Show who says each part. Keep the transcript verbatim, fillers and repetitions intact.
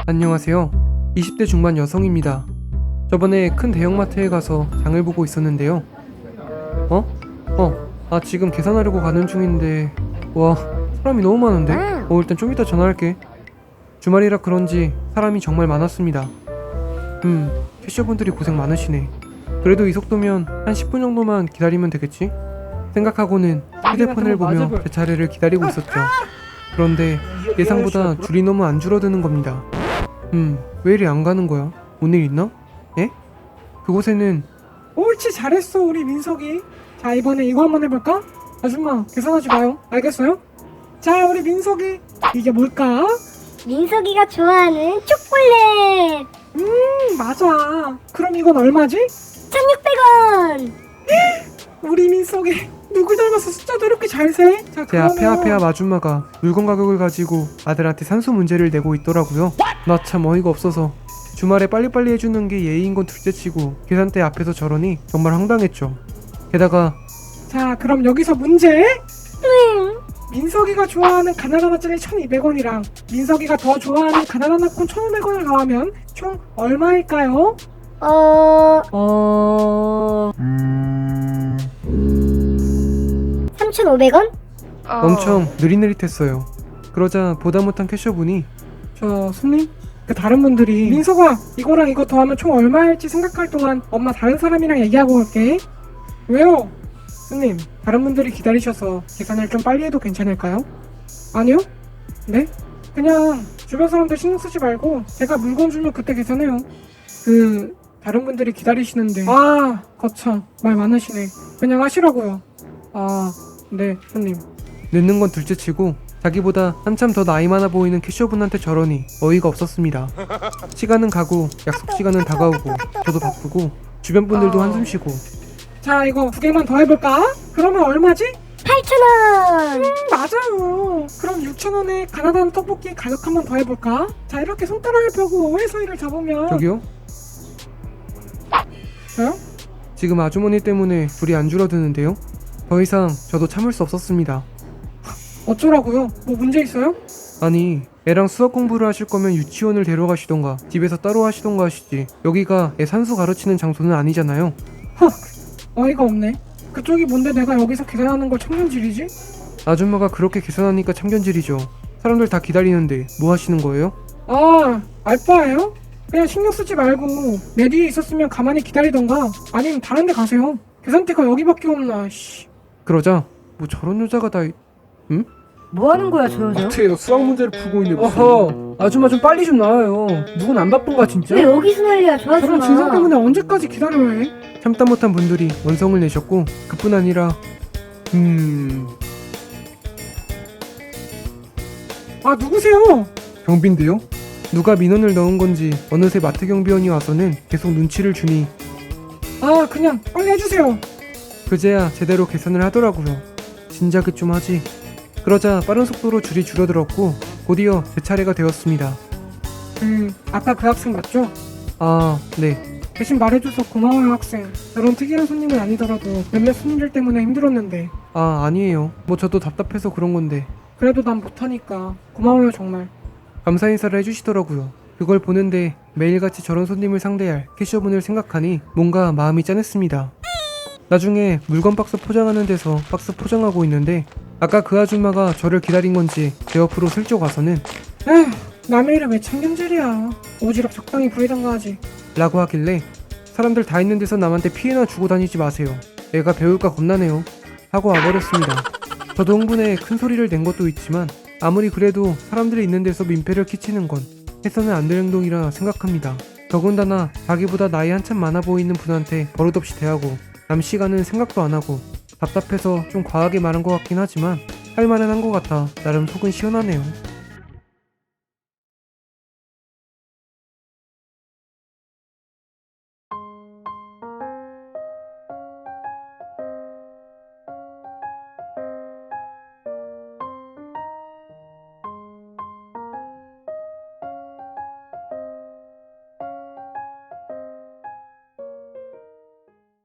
Speaker 1: 안녕하세요. 이십 대 중반 여성입니다. 저번에 큰 대형마트에 가서 장을 보고 있었는데요. 어? 어, 아 지금 계산하려고 가는 중인데 와 사람이 너무 많은데? 어 일단 좀 이따 전화할게. 주말이라 그런지 사람이 정말 많았습니다. 음, 캐셔분들이 고생 많으시네. 그래도 이 속도면 한 십 분 정도만 기다리면 되겠지? 생각하고는 휴대폰을 보며 제 차례를 기다리고 있었죠. 그런데 예상보다 줄이 너무 안 줄어드는 겁니다. 음, 왜 이리 안 가는 거야? 뭔 일 있나? 예? 그곳에는
Speaker 2: 옳지, 잘했어 우리 민석이. 자, 이번에 이거 한번 해볼까? 아줌마 계산하지 마요, 알겠어요? 자, 우리 민석이 이게 뭘까?
Speaker 3: 민석이가 좋아하는 초콜릿
Speaker 2: 음, 맞아. 그럼 이건 얼마지?
Speaker 3: 천육백 원.
Speaker 2: 우리 민석이 누굴 닮아서 숫자도 이렇게 잘 세? 자,
Speaker 1: 제 앞에
Speaker 2: 그러면-
Speaker 1: 앞에 앞 아줌마가 물건 가격을 가지고 아들한테 산수 문제를 내고 있더라고요. 나 참 어이가 없어서 주말에 빨리빨리 해주는 게 예의인 건 둘째치고 계산대 앞에서 저러니 정말 황당했죠. 게다가
Speaker 2: 자, 그럼 여기서 문제.
Speaker 3: 응.
Speaker 2: 민석이가 좋아하는 가나다나짜리 천이백 원이랑 민석이가 더 좋아하는 가나다나콘 천오백 원을 더하면 총 얼마일까요?
Speaker 3: 어...
Speaker 1: 어...
Speaker 3: 삼천오백 원?
Speaker 1: 엄청 느릿느릿했어요. 그러자 보다 못한 캐셔분이
Speaker 2: 저 손님? 그 다른 분들이 민석아 이거랑 이거 더하면 총 얼마일지 생각할 동안 엄마 다른 사람이랑 얘기하고 올게. 왜요? 손님, 다른 분들이 기다리셔서 계산을 좀 빨리 해도 괜찮을까요? 아니요? 네? 그냥 주변 사람들 신경 쓰지 말고 제가 물건 주면 그때 계산해요. 그 다른 분들이 기다리시는데. 아, 거참 말 많으시네. 그냥 하시라고요. 아, 네 손님.
Speaker 1: 늦는 건 둘째치고 자기보다 한참 더 나이 많아 보이는 캐셔분한테 저러니 어이가 없었습니다. 시간은 가고 약속 시간은 다가오고 저도 바쁘고 주변 분들도 한숨 쉬고
Speaker 2: 자, 이거 두 개만 더 해볼까? 그러면 얼마지?
Speaker 3: 팔천 원.
Speaker 2: 음, 맞아요. 그럼 육천 원에 가나다나 떡볶이 가격 한번 더 해볼까? 자, 이렇게 손가락을 펴고 오해 사이를 잡으면.
Speaker 1: 저기요?
Speaker 2: 저요?
Speaker 1: 지금 아주머니 때문에 줄이 안 줄어드는데요? 더 이상 저도 참을 수 없었습니다.
Speaker 2: 어쩌라고요? 뭐 문제 있어요?
Speaker 1: 아니 애랑 수학 공부를 하실 거면 유치원을 데려가시던가 집에서 따로 하시던가 하시지 여기가 애 산수 가르치는 장소는 아니잖아요.
Speaker 2: 어이가 없네. 그쪽이 뭔데 내가 여기서 계산하는 걸 청년질이지?
Speaker 1: 아줌마가 그렇게 계산하니까 참견질이죠. 사람들 다 기다리는데 뭐 하시는 거예요?
Speaker 2: 아, 알바예요? 그냥 신경 쓰지 말고 내 뒤에 있었으면 가만히 기다리던가 아니면 다른 데 가세요. 계산대가 여기밖에 없나. 씨.
Speaker 1: 그러자 뭐 저런 여자가 다 응?
Speaker 4: 뭐 하는 거야 저 여자?
Speaker 1: 어떻게 너 수학 문제를 풀고 있는데
Speaker 2: 어허, 아줌마 좀 빨리 좀 나와요. 누군 안 바쁜가 진짜?
Speaker 3: 왜 여기서 난리야? 저
Speaker 2: 저런
Speaker 3: 아줌마.
Speaker 2: 진상 때문에 언제까지 기다려야 해?
Speaker 1: 참다 못한 분들이 원성을 내셨고 그뿐 아니라 음...
Speaker 2: 아, 누구세요?
Speaker 1: 경비인데요? 누가 민원을 넣은 건지 어느새 마트 경비원이 와서는 계속 눈치를 주니
Speaker 2: 아, 그냥 빨리 해주세요.
Speaker 1: 그제야 제대로 계산을 하더라고요. 진작에 좀 하지. 그러자 빠른 속도로 줄이 줄어들었고 곧이어 제 차례가 되었습니다.
Speaker 2: 그 아까 그 학생 맞죠?
Speaker 1: 아, 네.
Speaker 2: 대신 말해줘서 고마워요 학생. 저런 특이한 손님은 아니더라도 몇몇 손님들 때문에 힘들었는데
Speaker 1: 아, 아니에요. 뭐 저도 답답해서 그런 건데.
Speaker 2: 그래도 난 못하니까 고마워요 정말.
Speaker 1: 감사 인사를 해주시더라고요. 그걸 보는데 매일같이 저런 손님을 상대할 캐셔분을 생각하니 뭔가 마음이 짠했습니다. 나중에 물건 박스 포장하는 데서 박스 포장하고 있는데 아까 그 아줌마가 저를 기다린 건지 제 옆으로 슬쩍 와서는
Speaker 2: 에휴, 남의 일에 왜 참견질이야. 오지랖 적당히 부리던가 하지.
Speaker 1: 라고 하길래 사람들 다 있는 데서 남한테 피해나 주고 다니지 마세요. 애가 배울까 겁나네요. 하고 와버렸습니다. 저도 흥분해 큰 소리를 낸 것도 있지만 아무리 그래도 사람들이 있는 데서 민폐를 끼치는 건 해서는 안 될 행동이라 생각합니다. 더군다나 자기보다 나이 한참 많아 보이는 분한테 버릇없이 대하고 남 시간은 생각도 안 하고 답답해서 좀 과하게 말한 것 같긴 하지만 할 말은 한 것 같아 나름 속은 시원하네요.